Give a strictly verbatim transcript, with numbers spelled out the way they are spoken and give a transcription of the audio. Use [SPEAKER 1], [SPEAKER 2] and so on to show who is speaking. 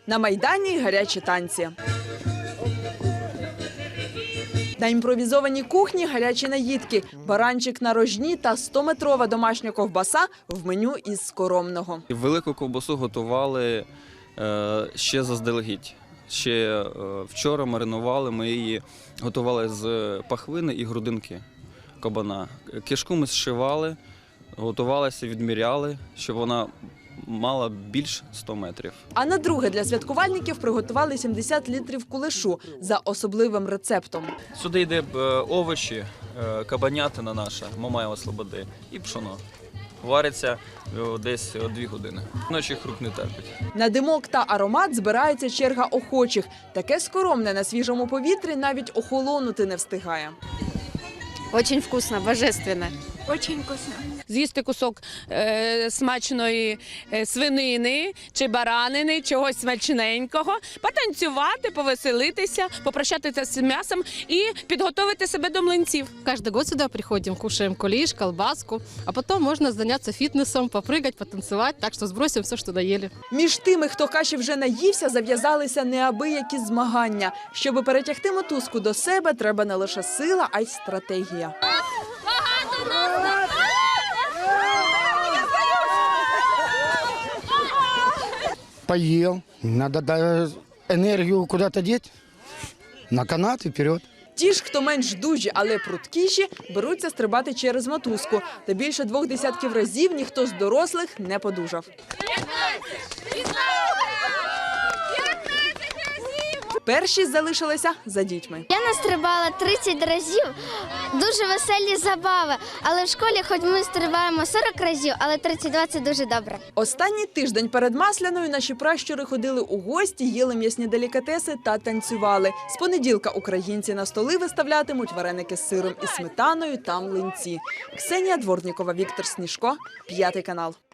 [SPEAKER 1] На Майдані гарячі танці. На імпровізованій кухні гарячі наїдки, баранчик на рожні та стометрова домашня ковбаса в меню із скоромного.
[SPEAKER 2] Велику ковбасу готували е, ще заздалегідь. Ще е, вчора маринували, ми її готували з пахвини і грудинки кабана. Кишку ми зшивали, готувалися, відміряли, щоб вона мала більш ста метрів.
[SPEAKER 1] А на друге для святкувальників приготували сімдесят літрів кулешу за особливим рецептом.
[SPEAKER 2] Сюди йде е, овочі, е, кабанятина наша, Мамаєва Слободи і пшоно. Вариться е, десь дві години. Ночі рук не терпить.
[SPEAKER 1] На димок та аромат збирається черга охочих. Таке скоромне на свіжому повітрі навіть охолонути не встигає.
[SPEAKER 3] Очень вкусно, божественно.
[SPEAKER 4] Очень вкусно.
[SPEAKER 3] З'їсти кусок е, смачної е, свинини чи баранини, чогось смачненького, потанцювати, повеселитися, попрощатися з м'ясом і підготовити себе до млинців.
[SPEAKER 5] Каждый год сюда приходим, кушаем кулиш, колбаску, а потом можно заняться фитнесом, попрыгать, потанцевать, так что сбросим все, что доели.
[SPEAKER 1] Між тими, хто каші вже наївся, зав'язалися неабиякі змагання. Щоби перетягти мотузку до себе, треба не лише сила, а й стратегія.
[SPEAKER 6] Поел, надо да, энергию куда-то деть, на канат и вперед.
[SPEAKER 1] Ті ж, хто менш дужі, але пруткіші, беруться стрибати через мотузку. Та більше двох десятків разів ніхто з дорослих не подужав. Перші залишилися за дітьми.
[SPEAKER 7] Я настрибала тридцять разів, дуже веселі забави. Але в школі, хоч ми стрибаємо сорок разів, але тридцять два – це дуже добре.
[SPEAKER 1] Останній тиждень перед Масляною наші пращури ходили у гості, їли м'ясні делікатеси та танцювали. З понеділка українці на столи виставлятимуть вареники з сиром і сметаною та млинці. Ксенія Дворнікова, Віктор Сніжко, п'ятий канал.